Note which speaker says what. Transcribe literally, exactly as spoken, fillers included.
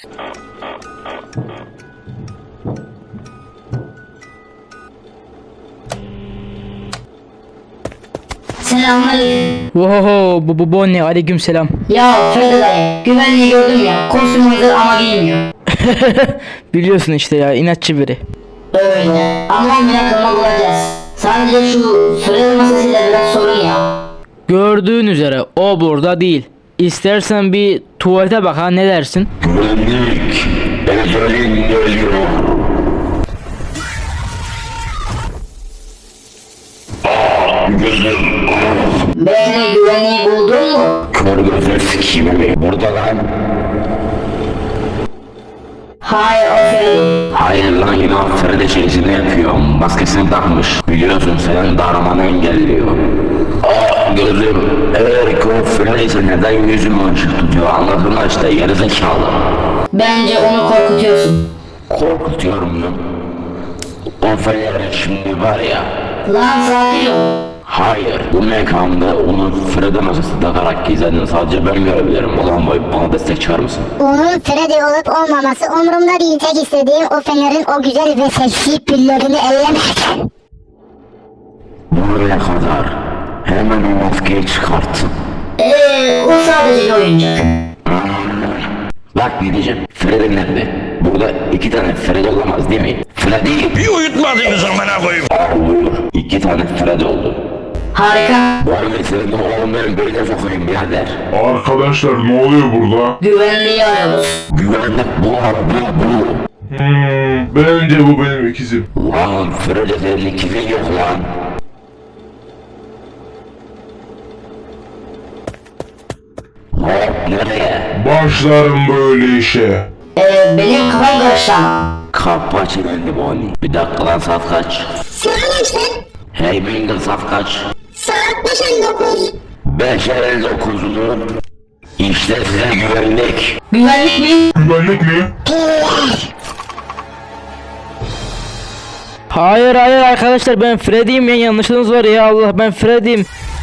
Speaker 1: Selamünaleyküm.
Speaker 2: Oho bu bu bu ne? Aleyküm selam.
Speaker 1: Ya Ferdi dayı, güvenliği gördüm ya. Kostüm hazır ama giymiyor.
Speaker 2: Biliyorsun işte ya, inatçı biri.
Speaker 1: Öyle. Ama on bine kırma bulacağız. Sadece şu süre masasıyla biraz sorun ya.
Speaker 2: Gördüğün üzere o burada değil. İstersen bir tuvalete bak ha, ne dersin?
Speaker 3: Güvenlik, Ezel'in geliyor. Ah, gözüm.
Speaker 1: Bekle, güvenliği buldun mu?
Speaker 3: Kör gözler sikiyim mi? Burada lan.
Speaker 1: Hayır, o Ferdi.
Speaker 3: Hayır lan, yine Feride şeysini yapıyor. Maskesini takmış. Biliyorsun, senin daramanı engelliyor. Ah gözüm. Eğer ki o Feride'yse neden yüzümü açık tutuyor? Anladın mı işte, gerizekalı.
Speaker 1: Bence onu korkutuyorsun.
Speaker 3: Korkutuyorum ya. O Feride şimdi var ya.
Speaker 1: Lan sakin ol.
Speaker 3: Hayır, bu mekanda onu Fred'e masası takarak gizledin. Sadece ben görebilirim. Ulan boy, bana destek çıkar mısın?
Speaker 4: Onun Freddy olup olmaması umurumda değil. Tek istediğim o fenerin o güzel ve seksi püllerini ellemek.
Speaker 3: Buraya kadar. Hemen o maskeyi çıkarttın.
Speaker 1: Eee, o sadece bir oyuncak.
Speaker 3: Bak ne diyeceğim. Fred'in nerede? Burada iki tane Fred olamaz değil mi? Freddy.
Speaker 5: Bir uyutmadınız amına koyayım.
Speaker 3: Aa buyur. İki tane Fred oldu.
Speaker 1: Harika.
Speaker 3: Bu arada senin de oğlum benim böyle sokayım birader.
Speaker 6: Arkadaşlar ne oluyor burada?
Speaker 1: Güvenliği arıyoruz.
Speaker 3: Güvenlik bu abi bu.
Speaker 6: Hmm, bence bu benim ikizim.
Speaker 3: Lan Fred'e senin ikizin yok lan. Hop nereye?
Speaker 6: Başlarım böyle işe.
Speaker 1: Eee, benim kafam karıştı ama.
Speaker 3: Kapı açıldı Bonnie. Bir dakika lan, saat kaç?
Speaker 4: Saat kaçtı?
Speaker 3: Hey Mingle, saat kaç?
Speaker 4: Saat beş elli dokuz.
Speaker 3: beş elli dokuzlu. İşte size güvenlik.
Speaker 1: Güvenlik mi?
Speaker 6: Güvenlik mi?
Speaker 2: Hayır hayır arkadaşlar, ben Freddy'yim ya, yanlışınız var ya, Allah, ben Freddy'yim.